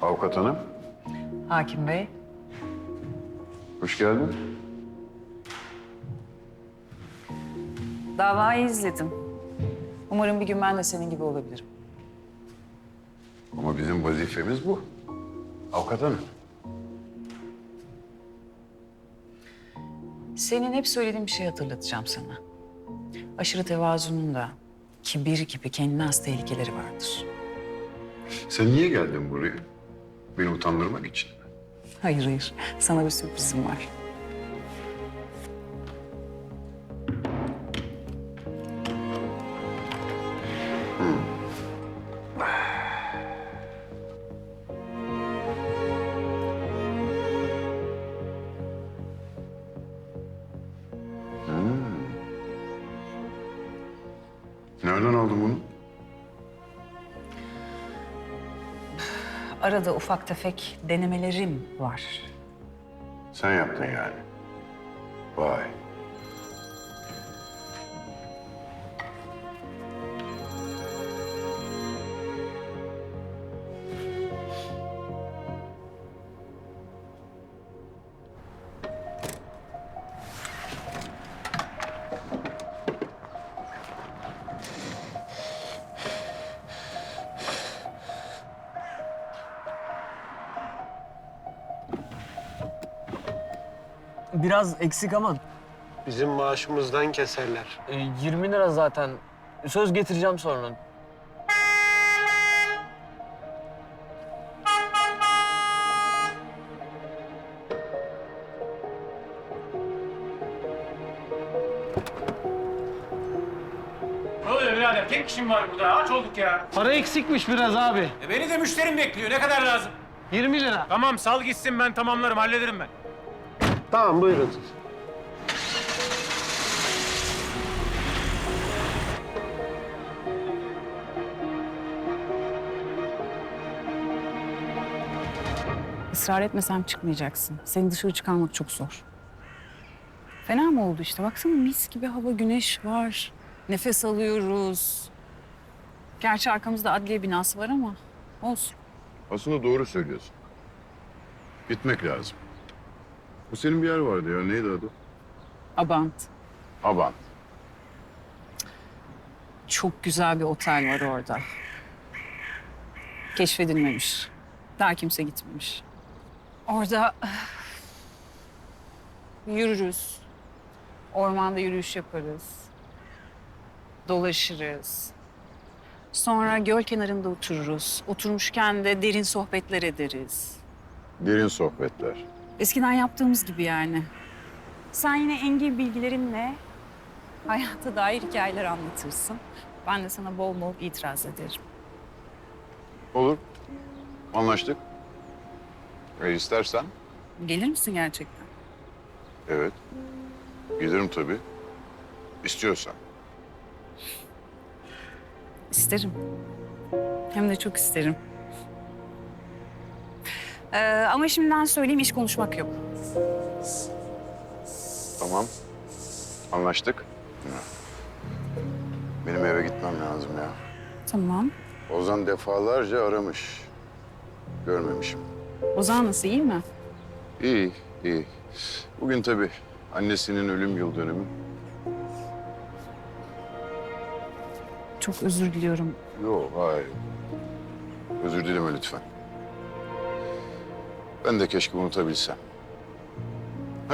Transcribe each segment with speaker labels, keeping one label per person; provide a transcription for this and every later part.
Speaker 1: Avukat hanım,
Speaker 2: Hakim Bey.
Speaker 1: hoş geldin.
Speaker 2: Davayı izledim. Umarım bir gün ben de senin gibi olabilirim.
Speaker 1: Ama bizim vazifemiz bu. Avukat hanım.
Speaker 2: Senin hep söylediğin bir şey hatırlatacağım sana. Aşırı tevazunun da kibir gibi kendine has tehlikeleri vardır.
Speaker 1: Sen niye geldin buraya? Beni utandırmak için mi?
Speaker 2: Hayır hayır, sana bir sürprizim var.
Speaker 1: Nereden aldın bunu?
Speaker 2: Arada ufak tefek denemelerim var.
Speaker 1: Sen yaptın yani. Vay.
Speaker 3: Biraz eksik ama
Speaker 4: Bizim maaşımızdan keserler.
Speaker 3: 20 lira zaten. Söz getireceğim sonra.
Speaker 5: Ne oluyor birader? Tek kişim var burada. Aç olduk ya.
Speaker 4: Para eksikmiş biraz abi.
Speaker 5: Beni de müşterim bekliyor. Ne kadar lazım?
Speaker 4: 20 lira.
Speaker 5: Tamam sal gitsin ben tamamlarım. Hallederim ben.
Speaker 4: Tamam buyurun.
Speaker 2: Israr etmesem çıkmayacaksın. Seni dışarı çıkarmak çok zor. Fena mı oldu işte? Baksana mis gibi hava, güneş var. Nefes alıyoruz. Gerçi arkamızda adliye binası var ama olsun.
Speaker 1: Aslında doğru söylüyorsun. Gitmek lazım. Bu senin bir yer vardı ya. Neydi adı?
Speaker 2: Abant.
Speaker 1: Abant.
Speaker 2: Çok güzel bir otel var orada. Keşfedilmemiş. Daha kimse gitmemiş. Orada yürürüz. Ormanda yürüyüş yaparız. Dolaşırız. Sonra göl kenarında otururuz. Oturmuşken de derin sohbetler ederiz.
Speaker 1: Derin sohbetler.
Speaker 2: Eskiden yaptığımız gibi yani. Sen yine engin bilgilerinle hayata dair hikayeler anlatırsın. Ben de sana bol bol itiraz ederim.
Speaker 1: Olur. Anlaştık. İstersen.
Speaker 2: Gelir misin gerçekten?
Speaker 1: Evet. Gelirim tabii. İstiyorsan.
Speaker 2: İsterim. Hem de çok isterim. Ama şimdiden söyleyeyim, iş konuşmak yok.
Speaker 1: Tamam. Anlaştık. Benim eve gitmem lazım ya.
Speaker 2: Tamam.
Speaker 1: Ozan defalarca aramış. Görmemişim.
Speaker 2: Ozan nasıl, iyi mi?
Speaker 1: İyi, iyi. Bugün tabii annesinin ölüm yıl dönümü.
Speaker 2: Çok özür diliyorum.
Speaker 1: Yok, hayır. Özür dileme lütfen. Ben de keşke unutabilsem. Heh.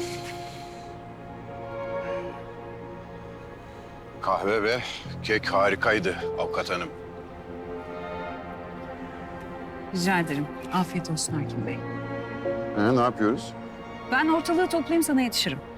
Speaker 1: Kahve ve kek harikaydı avukat hanım.
Speaker 2: Rica ederim. Afiyet olsun Hakim Bey.
Speaker 1: Ne yapıyoruz?
Speaker 2: Ben ortalığı toplayayım, sana yetişirim.